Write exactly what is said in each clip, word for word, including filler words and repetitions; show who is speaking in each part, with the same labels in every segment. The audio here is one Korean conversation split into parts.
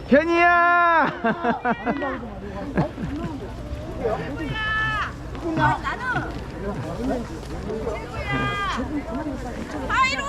Speaker 1: 현이야.
Speaker 2: 나는 아이로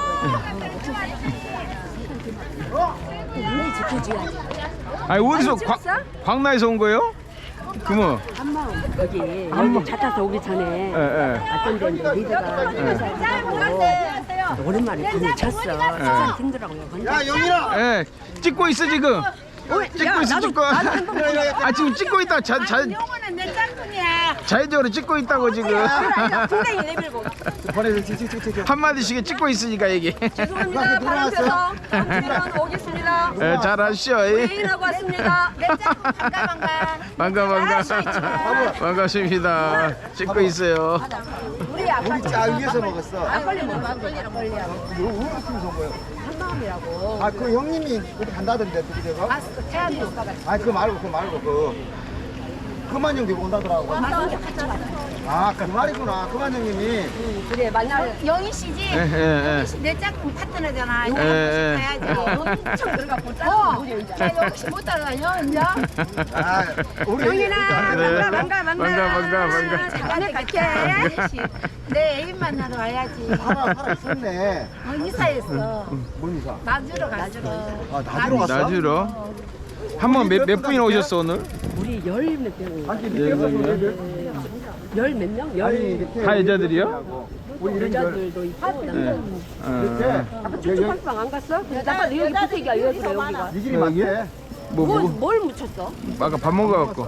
Speaker 3: 우리 지켜줘야지.
Speaker 1: 아니 어디서 광, 광나에서 온 거예요? 그뭐
Speaker 3: 한마음 거기 여기 차 타서 오기 전에
Speaker 1: 예, 예.
Speaker 3: 왔던데 이제 리더가 인사하고 오랜만에 밤을 쳤어. 시간 힘들더라고요.
Speaker 4: 야 영희라.
Speaker 1: 예, 찍고 있어 지금. 찍고 있어 찍고. 아 지금 찍고 있다. 자, 자,
Speaker 2: 영어는 내 짝꿍이야.
Speaker 1: 자연적으로 찍고 있다고 지금.
Speaker 2: 굉장히 내밀고.
Speaker 4: 보내서 찍찍찍찍.
Speaker 1: 한 마디씩 찍고 있으니까 얘기.
Speaker 2: 죄송합니다. 바람펴서 잠시만 오겠습니다.
Speaker 1: 예, 잘하시오.
Speaker 2: 회의라고 왔습니다. 내 짝꿍 반가 반가.
Speaker 1: 반가 반가. 반갑습니다. 찍고 있어요.
Speaker 2: 우리 아빠
Speaker 4: 우리 짜 위에서 먹었어.
Speaker 2: 막걸리 먹어. 막걸리랑 걸리야.
Speaker 4: 이거 우리 팀에서 온 거예요.
Speaker 3: 한마음이라고.
Speaker 4: 아 그 형님이 어디 간다던데 둘이 제가.
Speaker 2: 아, 태안이 오빠가
Speaker 4: 아 그거 말고 그거 말고 그 그만 형님 온다더라고. 아 그 말이구나. 그만 형님이.
Speaker 3: 그래 만날
Speaker 2: 영희 씨지?
Speaker 1: 예, 예,
Speaker 2: 영희 씨 내 짝꿍 파트너잖아. 이거
Speaker 1: 예, 예.
Speaker 2: 가야지. 엄청 들어가 보자. 어, 나 영희 씨 못 따라다녀, 이제.
Speaker 4: 아 우리
Speaker 2: 영희나
Speaker 1: 네.
Speaker 2: 반가 반가 반가.
Speaker 1: 반가, 반가, 반가.
Speaker 2: 잠깐만 갈게. 내 애인 만나러 와야지.
Speaker 4: 살아 살아 있었네.
Speaker 2: 어, 이사했어.
Speaker 4: 뭔 이사?
Speaker 2: 나주러 갔어.
Speaker 4: 아 나주러 갔어?
Speaker 1: 나주로. 한번 몇, 몇 분이나 오셨어 오늘?
Speaker 3: 우리 열몇 명,
Speaker 4: 아니 밑에 서
Speaker 3: 열몇 명,
Speaker 4: 아니
Speaker 3: 열
Speaker 4: 밑에
Speaker 1: 다 여자들이요?
Speaker 4: 우리 이런 걸
Speaker 3: 여자들도 있고
Speaker 1: 예.
Speaker 3: 남자.
Speaker 1: 어,
Speaker 3: 아까 쭉쭉 빵빵 안 갔어? 아까 여기 부탁이야 여기 그래 여기가.
Speaker 4: 이 길이 맞대.
Speaker 1: 뭐,
Speaker 3: 뭘,
Speaker 1: 뭐,
Speaker 3: 뭘 묻혔어?
Speaker 1: 아까 밥 먹어갖고.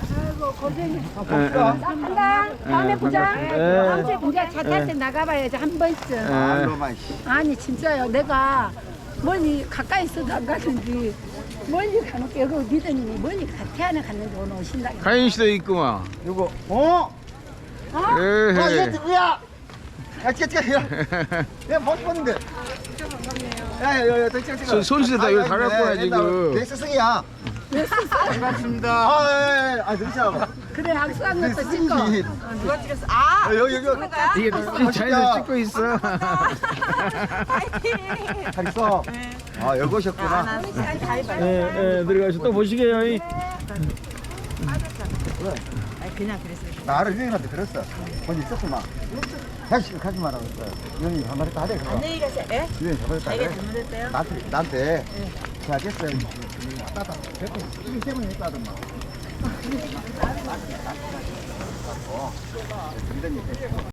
Speaker 2: 간다. 다음에
Speaker 1: 예,
Speaker 2: 보자.
Speaker 1: 반갑습니다.
Speaker 2: 다음
Speaker 1: 예.
Speaker 2: 주에 이제 차 탈 때 나가봐야지 한 번쯤.
Speaker 1: 예.
Speaker 4: 알로만 씨.
Speaker 2: 아니 진짜요. 내가 멀리 가까이 있어도 안 가는지 멀리 가는 게 여기 믿으니 멀리 가- 태안에 갔는데 오늘 오신다.
Speaker 1: 가인 씨도 있구만.
Speaker 4: 이거 어? 아
Speaker 1: 에헤.
Speaker 4: 이거 누구야? 야 찍어 찍어. 내가 못 봤는데. 야야야 찍어 찍어.
Speaker 1: 손- 손수에다 이거 다 갖고 와야지, 그.
Speaker 4: 내 스승이야. 반갑습니다. 아, 예, 예. 아, 등치하고.
Speaker 2: 그래 악수한 것도 찍고.
Speaker 4: 누가 찍었어? 아, 여기 여기.
Speaker 1: 이게 자연스레 찍고 있어.
Speaker 4: 잘 있어. 아, 여기 오셨구나.
Speaker 1: 예, 예, 들어가서 또 보시게요. 이.
Speaker 4: 나를 유행한테 들었어. 먼저 있었구만. 다시 가지 말라고 했어요. 유행이 잘못했다 하래. 안녕히 가세요. 예? 유행 잘못했다 하래. 잘못했어요? 나한테, 나한테. 제가 겠어요. 왔다 갔다. 지금 때문에 했다더만.